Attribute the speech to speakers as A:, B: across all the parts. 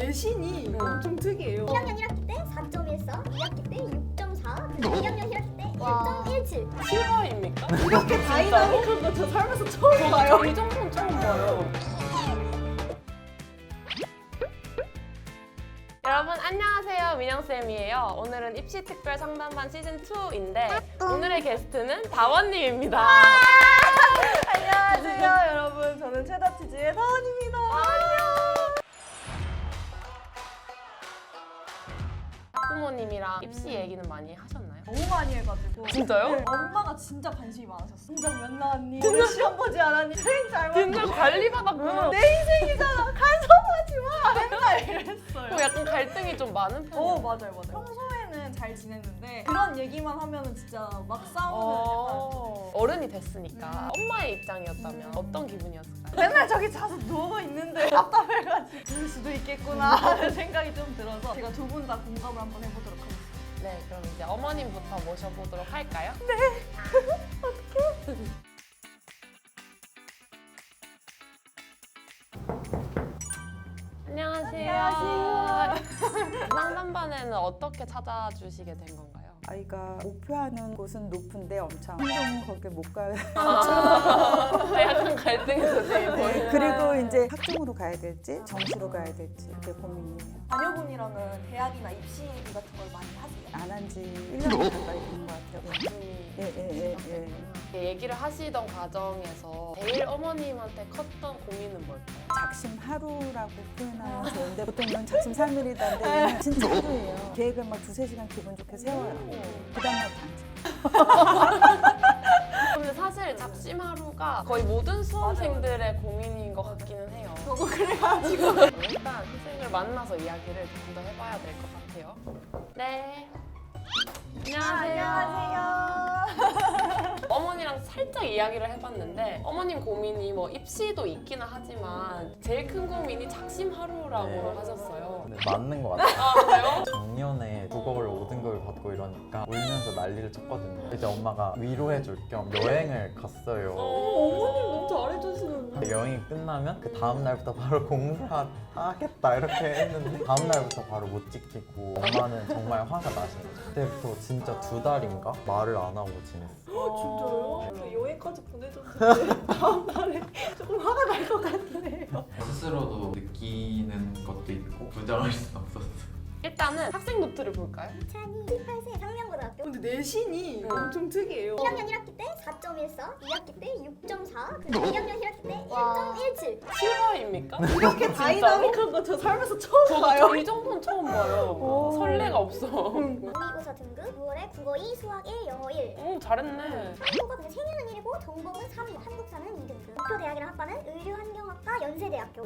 A: 내신이 엄청 특이해요.
B: 1학년 1학기 때 4.14, 2학기 때 6.4, 그리고 2학년 1학기 때 1.17.
C: 실화입니까?
A: 이렇게 다이나믹한 거 저 살면서 처음 봐요.
C: 이 정도는 처음 봐요. 여러분 안녕하세요, 민영쌤이에요. 오늘은 입시 특별 상담반 시즌2인데 오늘의 게스트는 다원님입니다.
A: 안녕하세요 여러분, 저는 체다치즈의 다원입니다.
C: 학부모님이랑 입시 얘기는 많이 하셨나요?
A: 너무 많이 해가지고.
C: 진짜요?
A: 네, 엄마가 진짜 관심이 많으셨어. 진작 몇 나왔니? 오늘 시험 보지 않았니? 선생님 잘
C: 진짜
A: 봤니?
C: 관리받았구나.
A: 내 인생이잖아. 간섭하지 마. 맨날 이랬어요.
C: 약간 갈등이 좀 많은 편이에요.
A: 맞아요. 평소에는 잘 지냈는데 그런 얘기만 하면은 진짜 막 싸우는 약간.
C: 어른이 됐으니까 엄마의 입장이었다면 어떤 기분이었을까요?
A: 맨날 저기 자서 누워 있는데 답답해가지고 그럴 수도 있겠구나 하는 생각이 좀 들어서 제가 두 분 다 공감을 한번 해보도록 하겠습니다.
C: 네, 그럼 이제 어머님부터 모셔보도록 할까요? 안녕하세요. 상담반에는 어떻게 찾아주시게 된 건가요?
D: 아이가 목표하는 곳은 높은데 엄청 거기 못 가요.
C: 약간 갈등이 도저히 보이는.
D: 그리고 이제 학종으로 가야 될지 정시로 가야 될지 그게 고민이에요.
A: 자녀분이랑은 대학이나 입시 얘기 같은 걸 많이 하세요?
D: 안 한 지 1년 가까이 된 것 같아요. 예.
C: 얘기를 하시던 과정에서 제일 어머님한테 컸던 고민은 뭘까요?
D: 작심 하루라고 표현하면 좋은데 보통은 작심 3일이던데 얘는 진짜 하루예요. 계획을 막 2-3시간 기분 좋게 세워요. 그 다음날 당직.
C: 근데 사실 작심 하루가 거의 모든 수험생들의 고민인 것 같기는 해요.
A: 저도 그래가지고
C: 일단 선생님을 만나서 이야기를 좀 더 해봐야 될 것 같아요. 네. 안녕하세요. 어머니랑 살짝 이야기를 해봤는데 어머님 고민이 뭐 입시도 있기는 하지만 제일 큰 고민이 작심 하루라고
E: 네.
C: 하셨어요.
E: 네, 맞는 것 같아요.
C: 아 그래요?
E: 작년에 국어를 5등급을 받고 이러니까 울면서 난리를 쳤거든요. 이제 엄마가 위로해줄 겸 여행을 갔어요.
A: 어머님 너무 잘해주시는데.
E: 여행이 끝나면 그 다음 날부터 바로 공부를 하겠다 이렇게 했는데 다음 날부터 바로 못 지키고 엄마는 정말 화가 나신 거죠. 그때부터 진짜 2달인가 말을 안 하고 지냈어요.
A: 진짜요? 저 여행까지 보내줬는데 다음 달에 조금 화가 날 것 같긴 해요.
F: 스스로도 느끼는 것도 있고 부정할 수는 없었어요.
C: 일단은 학생 노트를 볼까요?
B: 2018세 상명고등학교.
A: 근데 내신이 엄청 특이해요.
B: 1학년 1학기 때 4.14, 2학기 때 6.4, 그리고 2학년 1학기 때 1.17.
C: 실화입니까?
A: 이렇게 다이나믹한 거 저 살면서 처음 봐요.
C: 저도 이 정도는 처음 봐요. 설레가 없어.
B: 모의고사 등급 6월에 국어 2, 수학 1, 영어 1.
C: 오 잘했네.
B: 한국어가 근데 생일은 1이고 전공은 3위, 한국사는 2등급. 목표 대학이랑 학과는 의류환경학과 연세대학교.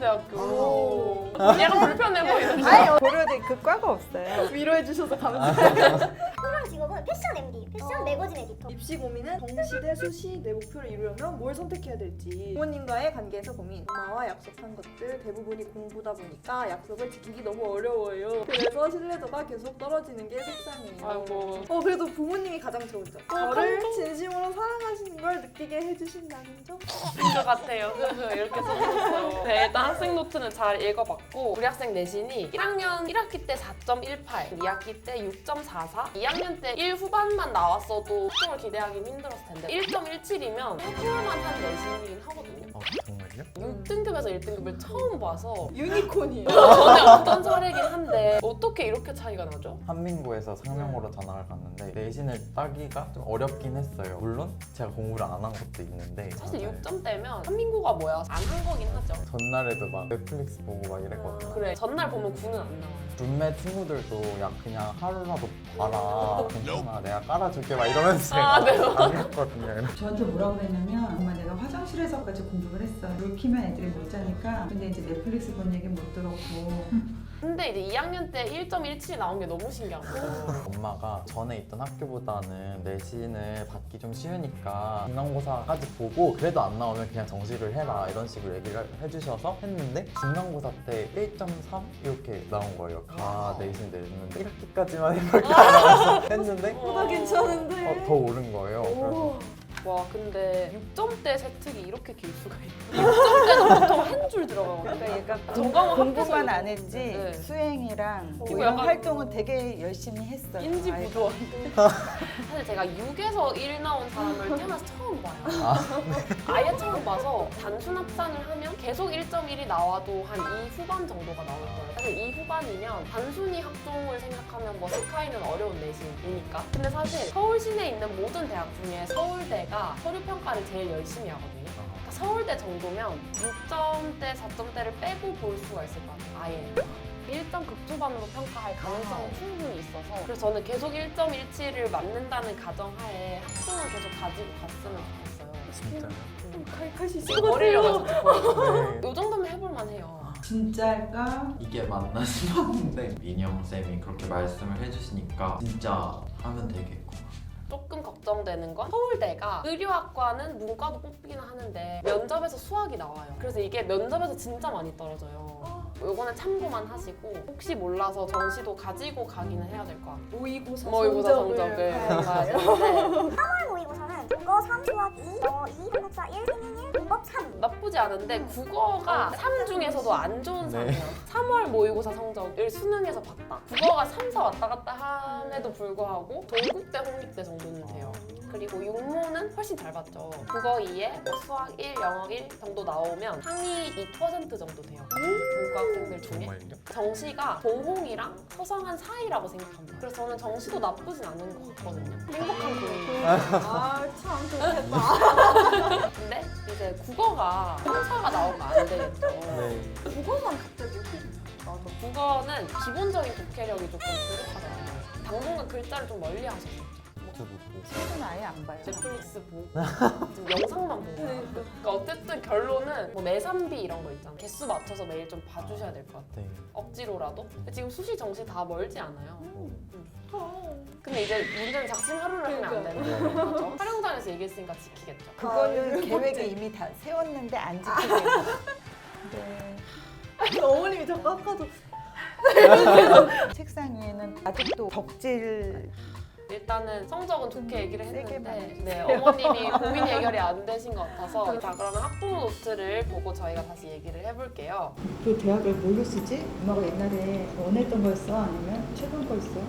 C: 연세대학교. 약간 불편해 보이는데.
D: 고려대 그 과가 없어요.
A: 위로해주셔서 감사해요.
B: 희망 직업은 패션 MD, 패션 매거진 에디터.
A: 입시 고민은 정시 대 수시 내 목표를 이루려면 뭘 선택해야 될지. 부모님과의 관계에서 고민. 엄마와 약속한 것들 대부분이 공부다 보니까 약속을 지키기 너무 어려워요. 그래서 신뢰도가 계속 떨어지는 게 속상해요.
C: 아이고.
A: 그래도 부모님이 가장 좋은 점. 저를 진심으로 사랑하시는 걸 느끼게 해주신다는 점.
C: 것 같아요. 이렇게 써주셨어요. 네, 일단 학생 노트는 잘 읽어봤고 우리 학생 내신이 1학년 1학기 때 4.18, 2학기 때 6.44, 2학년 때 1 후반만 나왔어도 합격을 기대하기 힘들었을 텐데 1.17이면 해볼만 한 내신이긴 하거든요.
E: 정말요?
C: 6등급에서 1등급을 처음 봐서
A: 유니콘이에요.
C: 전에 없던 사례긴 한데 어떻게 이렇게 차이가 나죠?
E: 한민고에서 상명고로 전학을 갔는데 내신을 따기가 좀 어렵긴 했어요. 물론 제가 공부를 안 한 것도 있는데
C: 사실
E: 네.
C: 6점대면 한민고가 뭐야? 안 한 거긴 하죠.
E: 전날에도 막 넷플릭스 보고 막 이랬거든요.
C: 그래, 전날 보면 9는 안 나와요.
E: 룸메 친구들도 야 그냥 하루라도 봐라 괜찮아 내가 깔아줄게 막 이러면서
C: 아, 네.
E: 안 갔거든요.
D: 저한테 뭐라고 그랬냐면 엄마 내가 화장실에서까지 공부를 했어. 물 키면 애들이 못 자니까. 근데 이제 넷플릭스 본 얘기 못 들었고.
C: 근데 이제 2학년 때 1.17이 나온 게 너무 신기한 거예요.
E: 엄마가 전에 있던 학교보다는 내신을 받기 좀 쉬우니까 중간고사까지 보고 그래도 안 나오면 그냥 정시를 해라 이런 식으로 얘기를 해주셔서 했는데 중간고사 때 1.3 이렇게 나온 거예요. 내신 냈는데 1학기까지만 해볼까 하면서 했는데
A: 보다 괜찮은데.
E: 더 오른 거예요.
A: 오.
E: 그래서
C: 와 근데 6점대 세특이 이렇게 길 수가 있나? 6점대는 보통 한 줄 들어가거든요.
D: 그러니까 얘가
C: 전공을
D: 공부만
C: 합해서
D: 안 했지
C: 네.
D: 수행이랑 뭐
C: 이거
D: 이런
C: 약간
D: 활동은 되게 열심히 했어요.
C: 인지
D: 아이가.
C: 부조한. 사실 제가 6에서 1 나온 사람을 태어나서 처음 봐요. 아예 처음 봐서 단순 합산을 하면 계속 1.1이 나와도 한 2 후반 정도가 나올 거예요. 사실 2 후반이면 단순히 학종을 생각하면 뭐 스카이는 어려운 내신이니까. 근데 사실 서울 시내에 있는 모든 대학 중에 서울대가 서류 평가를 제일 열심히 하거든요. 그러니까 서울대 정도면 6점대, 4점대를 빼고 볼 수가 있을 것 같아요. 아예. 1점 극초반으로 평가할 가능성은 충분히 있어서 그래서 저는 계속 1.17을 맞는다는 가정하에 학종을 계속 가지고 갔으면 좋겠어요.
E: 진짜요?
A: 칼시
C: 지금 버리려고 해서
E: 네.
C: 이 정도면 해볼만 해요.
D: 진짜일까?
F: 이게 맞나 싶었는데 민영 쌤이 그렇게 말씀을 해주시니까 진짜 하면 되겠고.
C: 조금 걱정되는 건 서울대가 의료학과는 문과도 뽑기는 하는데 면접에서 수학이 나와요. 그래서 이게 면접에서 진짜 많이 떨어져요. 요거는 참고만 하시고 혹시 몰라서 정시도 가지고 가기는 해야 될 것 같아요.
A: 모의고사
C: 모의고사 성적을 봐야 되는데
B: 3월 모의고사는 국어 3, 수학 2, 영어 2, 한국사 1, 생일 1, 문법 3.
C: 나쁘지 않은데 국어가 3 중에서도 안 좋은 상이에요. 3월 모의고사 성적을 수능에서 봤다. 국어가 3, 4 왔다 갔다 함에도 불구하고 동국대, 홍익대 정도는 돼요. 그리고 육모는 훨씬 잘 봤죠. 국어 2에 뭐 수학 1, 영어 1 정도 나오면 상위 2% 정도 돼요. 문과 학생들 중에.
E: 정말요?
C: 정시가 동홍이랑 서성한 사이라고 생각합니다. 그래서 저는 정시도 나쁘진 않은 것 같거든요. 행복한 분위기.
A: 아참 좋겠다.
C: 근데 이제 국어가 형사가 나오면 안 되겠죠.
E: 네.
A: 그것만 갑자기 훅
C: 맞아. 국어는 기본적인 독해력이 조금 부족하더라고요. 당분간 글자를 좀 멀리 하셨었죠.
E: 유튜브 보고.
D: 책은 아예 안 봐요.
C: 넷플릭스 보고 지금 영상만 보고 그러니까 어쨌든 결론은 뭐 매삼비 이런 거 있잖아. 개수 맞춰서 매일 좀 봐주셔야 될 것 같아.
E: 네.
C: 억지로라도. 근데 지금 수시 정시 다 멀지 않아요. 근데 이제 문제는 작심 하루를 하면 안 되는 거죠. 촬영장에서 얘기했으니까 지키겠죠.
D: 그거는 계획에 이미 다 세웠는데 안 지키게. 네.
A: 어머님이 자꾸 아까도
D: 책상 위에는 아직도 덕질
C: 일단은 성적은 좋게 얘기를
D: 세게
C: 했는데 네, 어머님이 고민 해결이 안 되신 것 같아서 자 그러면 학부모 노트를 보고 저희가 다시 얘기를 해볼게요.
D: 그 대학을 뭘로 쓰지? 엄마가 옛날에 원했던 거였어? 아니면 최근 거였어?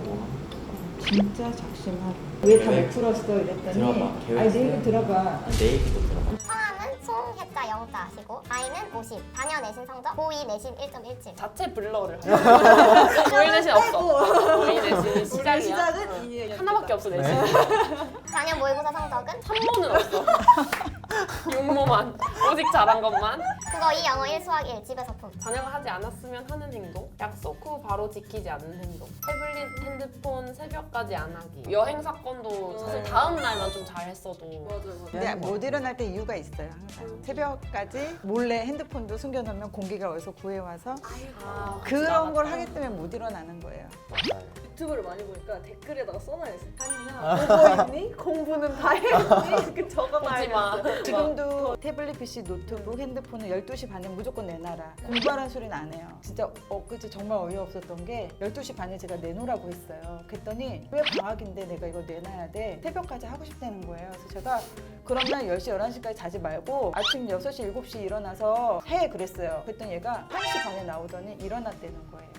D: 진짜 작심하고 왜 다 못 풀었어? 이랬더니
F: 들어봐, 계획
D: 아니 내 얘기 들어봐.
F: 내 얘기도 들어봐.
B: 성함은 송혜자 영자 하시고 나이는 50, 자녀 내신 성적 고2 내신 1.17.
C: 자체 블러를 하죠. 고인 내신 없어. 고인 내신이 시작이야.
A: 우리 시작은 이
C: 하나밖에 없어 내신.
B: 자녀 모의고사 성적은
C: 3모는 없어. 6모만. 오직 잘한 것만.
B: 국어 2, 영어 1, 수학 1, 집에서 품.
C: 자녀가 하지 않았으면 하는 행동. 약속 후 바로 지키지 않는 행동. 태블릿, 핸드폰 새벽까지 안 하기. 여행 사건도 사실 다음 날만 좀 잘했어도.
A: 맞아.
D: 근데 못 일어날 때 이유가 있어요 항상. 새벽까지 몰래 핸드폰도 숨겨놓으면 공기가 어디서 구해와서
C: 아,
D: 그런 걸 하기 때문에 못 일어나는 거예요.
E: 맞아요.
A: 유튜브를 많이 보니까 댓글에다가 써놔야지. 아니야. 보고 있니? 공부는 다 했니? 이렇게
C: 보지
A: 적어놔야겠어.
C: 마.
D: 지금도 태블릿 PC, 노트북, 핸드폰을 12시 반에 무조건 내놔라. 공부하라는 소리는 안 해요. 진짜 엊그제 정말 어이없었던 게 12시 반에 제가 내놓으라고 했어요. 그랬더니 왜 방학인데 내가 이거 내놔야 돼? 새벽까지 하고 싶다는 거예요. 그래서 제가 그럼 날 10시, 11시까지 자지 말고 아침 6시, 7시 일어나서 해 그랬어요. 그랬더니 얘가 1시 반에 나오더니 일어났다는 거예요.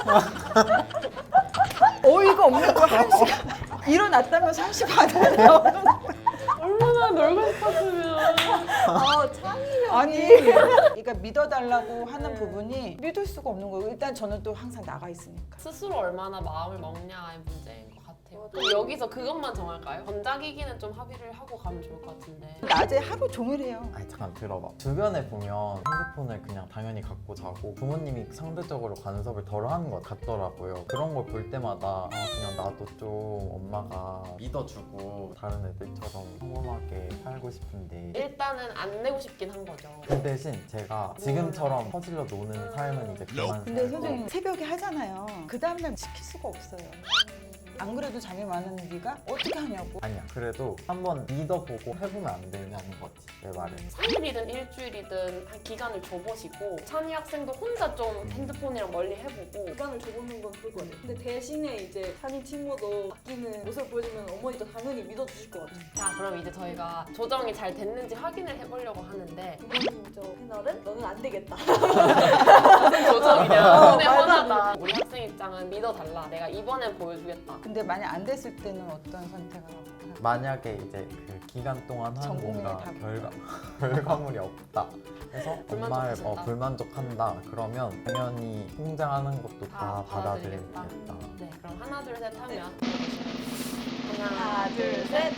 D: 어이가 없는 거 1시간 일어났다면서 1시 반에 나오는
C: 얼마나 놀고 싶었으면.
A: 아 창의력.
D: 아니 그러니까 믿어달라고 하는 부분이 믿을 수가 없는 거예요. 일단 저는 또 항상 나가 있으니까.
C: 스스로 얼마나 마음을 먹냐의 문제인 것 같아요. 그럼 여기서 그것만 정할까요? 전자기기는 좀 합의를 하고 가면 좋을 것 같은데.
D: 낮에 하루 종일 해요.
E: 아니 잠깐 들어봐. 주변에 보면 핸드폰을 그냥 당연히 갖고 자고 부모님이 상대적으로 간섭을 덜 하는 것 같더라고요. 그런 걸 볼 때마다 아 그냥 나도 좀 엄마가
F: 믿어주고
E: 다른 애들처럼 평범하게 살고 싶은데
C: 일단은 안 내고 싶긴 한 거죠.
E: 그 대신 제가 지금처럼 퍼질러 노는 삶은 이제 그만
D: 근데
E: 살고
D: 선생님 새벽에 하잖아요. 그 다음날 지킬 수가 없어요. 안 그래도 잠이 많은 네가 어떻게 하냐고.
E: 아니야 그래도 한번 믿어보고 해보면 안 되냐는 거지 내 말은.
C: 3일이든 일주일이든 한 기간을 줘보시고 찬이 학생도 혼자 좀 핸드폰이랑 멀리 해보고
A: 기간을 줘보는 건 좋을 것 같아요. 근데 대신에 이제 찬이 친구도 바뀌는 모습을 보여주면 어머니도 당연히 믿어주실 것 같아요.
C: 자 그럼 이제 저희가 조정이 잘 됐는지 확인을 해보려고 하는데
A: 두 번째 저 패널은 너는 안 되겠다.
C: 무슨 조정이냐
A: 어,
C: 눈에
A: 말도 안
C: 뻔하다. 우리 학생 입장은 믿어달라. 내가 이번엔 보여주겠다.
D: 근데 만약 안 됐을 때는 어떤 선택을 하고?
E: 만약에 이제 그 기간 동안 한
D: 전공에
E: 뭔가
D: 다
E: 결과물이 없다 해서 엄마를
C: 불만족하신다.
E: 불만족한다 그러면 당연히 통장하는 것도
C: 다
E: 다
C: 받아들이겠다.
E: 받아들이겠다.
C: 네 그럼 하나 둘 셋 하면
A: 하나, 둘, 셋.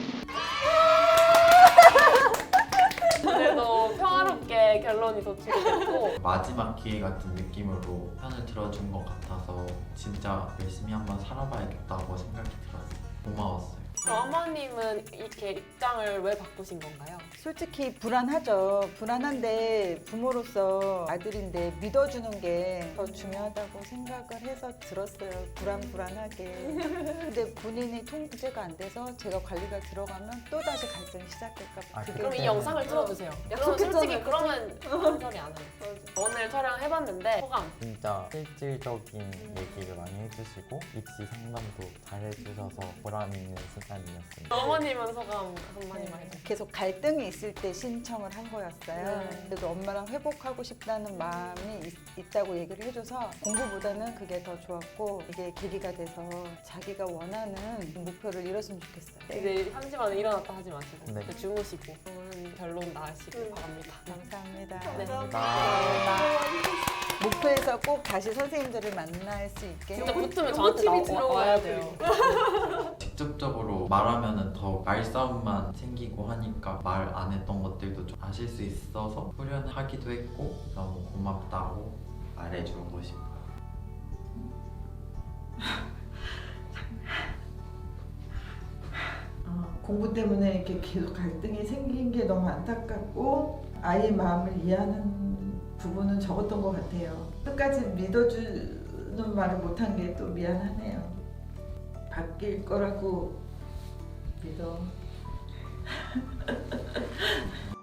C: 그래도 평화롭게 결론이 도출이 됐고
F: 마지막 기회 같은 느낌으로 편을 들어준 것 같아서 진짜 열심히 한번 살아봐야겠다고 생각이 들었어요. 고마웠어요.
C: 어머님은 이렇게 입장을 왜 바꾸신 건가요?
D: 솔직히 불안하죠. 불안한데 부모로서 아들인데 믿어주는 게 더 중요하다고 생각을 해서 들었어요. 불안하게. 근데 본인이 통제가 안 돼서 제가 관리가 들어가면 또 다시 갈등이 시작될까 봐.
E: 아,
D: 그게
C: 그럼 이
E: 네.
C: 영상을 틀어주세요. 그럼
A: 약속했잖아요.
C: 솔직히 그러면 아무 소리 안 해요. 오늘 촬영해봤는데 소감.
E: 진짜 실질적인 얘기를 많이 해주시고 입시 상담도 잘 해주셔서 보람 있는 시간이었습니다.
C: 어머님은 소감 한마디만 해주세요.
D: 계속 갈등이 있을 때 신청을 한 거였어요.
C: 네.
D: 그래도 엄마랑 회복하고 싶다는 마음이 있다고 얘기를 해줘서 공부보다는 그게 더 좋았고 이게 계기가 돼서 자기가 원하는 목표를 이뤘으면 좋겠어요.
C: 이제 3시 반에 일어났다 하지 마시고
E: 네.
C: 주무시고 좋은 결론 나으시길 바랍니다.
D: 감사합니다.
C: 네.
E: 감사합니다.
D: 목표에서 꼭 다시 선생님들을 만날 수 있게
C: 진짜 붙으면 저한테 와야 돼요.
F: 직접적으로 말하면 더 말싸움만 생기고 하니까 말 안 했던 것들도 좀 아실 수 있어서 후련하기도 했고 너무 고맙다고 말해주고 싶어요.
G: 공부 때문에 이렇게 계속 갈등이 생긴 게 너무 안타깝고 아이의 마음을 이해하는 부분은 적었던 것 같아요. 끝까지 믿어주는 말을 못한 게 또 미안하네요. 바뀔 거라고 믿어.